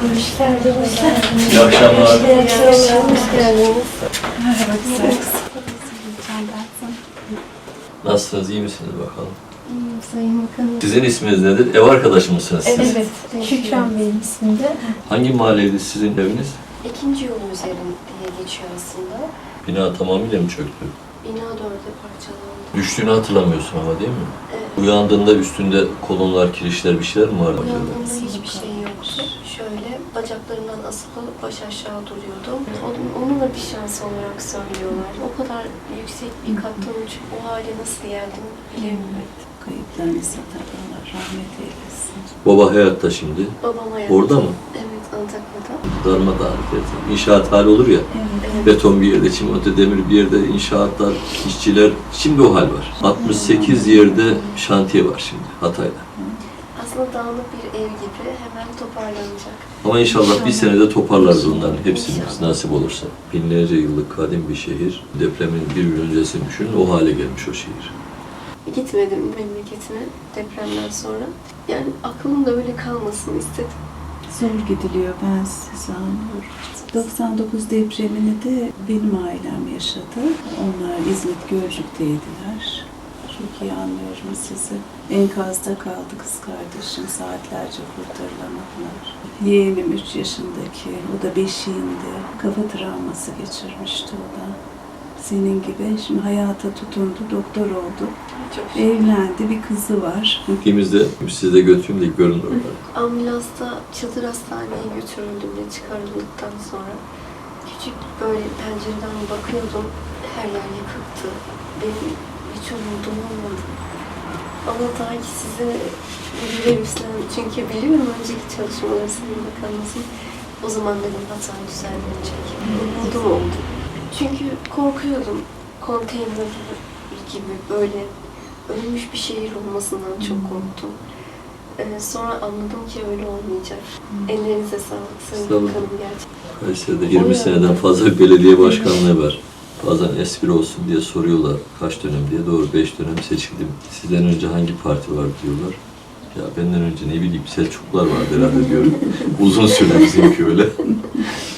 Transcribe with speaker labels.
Speaker 1: Hoş geldiniz.
Speaker 2: İyi akşamlar.
Speaker 1: İyi akşamlar. Hoş geldiniz.
Speaker 3: Merhaba güzel.
Speaker 2: Nasılsınız, iyi misiniz bakalım?
Speaker 1: Sayın Bakanım.
Speaker 2: Sizin isminiz nedir? Ev arkadaşı mısınız siz?
Speaker 3: Evet, Şükran Bey'in isminde.
Speaker 2: Hangi mahalleydi sizin eviniz?
Speaker 1: İkinci yol üzerinde diye geçiyor aslında.
Speaker 2: Bina tamamıyla mı çöktü?
Speaker 1: Bina 4'e parçalandı.
Speaker 2: Düştüğünü hatırlamıyorsun ama değil mi?
Speaker 1: Evet.
Speaker 2: Uyandığında üstünde kolonlar, kirişler bir şeyler mi vardı acaba?
Speaker 1: Uyandığımda hiçbir şey yoktu. Şöyle bacaklarımdan asılı baş aşağı duruyordum. Onunla bir şans olarak söylüyorlar. O kadar yüksek bir kattan uçup o hale nasıl geldim bilemiyorum.
Speaker 3: Kayıplarınızı da Allah rahmet eylesin.
Speaker 2: Baba hayatta şimdi.
Speaker 1: Babam hayatta.
Speaker 2: Orada mı?
Speaker 1: Evet, Antakya'da.
Speaker 2: Darmadağın eder. İnşaat hali olur ya.
Speaker 1: Evet.
Speaker 2: Beton bir yerde, çimento demir bir yerde, inşaatlar, işçiler. Şimdi o hal var. 68 yerde şantiye var şimdi Hatay'da.
Speaker 1: Aslında dağınık bir ev gibi hemen toparlanacak.
Speaker 2: Ama inşallah bir senede toparlarız onların hepsini
Speaker 1: İnşallah.
Speaker 2: nasip olursa. Binlerce yıllık kadim bir şehir. Depremin bir yıl öncesini düşünün, o hale gelmiş o şehir.
Speaker 1: Gitmedim memleketime depremden sonra. Yani aklımda öyle kalmasını istedim.
Speaker 3: Zor gidiliyor, ben sizi anlıyorum. 99 depremini de benim ailem yaşadı. Onlar İzmit Gölcük'teydiler. Çok iyi anlıyorum sizi. Enkazda kaldı kız kardeşim, saatlerce kurtarılamadılar. Yeğenim 3 yaşındaki, o da beşiğinde. Kafa travması geçirmişti o da. Senin gibi şimdi hayata tutundu, doktor oldu.
Speaker 1: Çok şükür.
Speaker 3: Evlendi, bir kızı var.
Speaker 2: Gittiğimizde sizi de götüreyim de görün oraları.
Speaker 1: Ambulansla Çadır Hastane'ye götürüldüğümde çıkarıldıktan sonra küçük böyle pencereden bakıyordum. Her yer yıkıktı. Benim hiç umudum olmadı. Ama ta ki size bir görev üstlendim. Çünkü biliyorum önceki çalışmaları Sayın Bakanımızın. O zaman dedim hata düzenlenecek. Umudum oldu. Çünkü korkuyordum. Konteyner gibi böyle ölmüş bir şehir olmasından çok korktum. Sonra anladım ki öyle olmayacak. Ellerinize sağlık Sayın
Speaker 2: Sağ olun.
Speaker 1: Bakanım gerçekten.
Speaker 2: Kayseri'de 20 seneden fazla bir belediye başkanlığı var. Bazen espri olsun diye soruyorlar kaç dönem diye. Doğru 5 dönem seçildim. Sizden önce hangi parti var diyorlar. Ya benden önce ne bileyim Selçuklular vardı herhalde diyorum. Uzun süre bizimki öyle.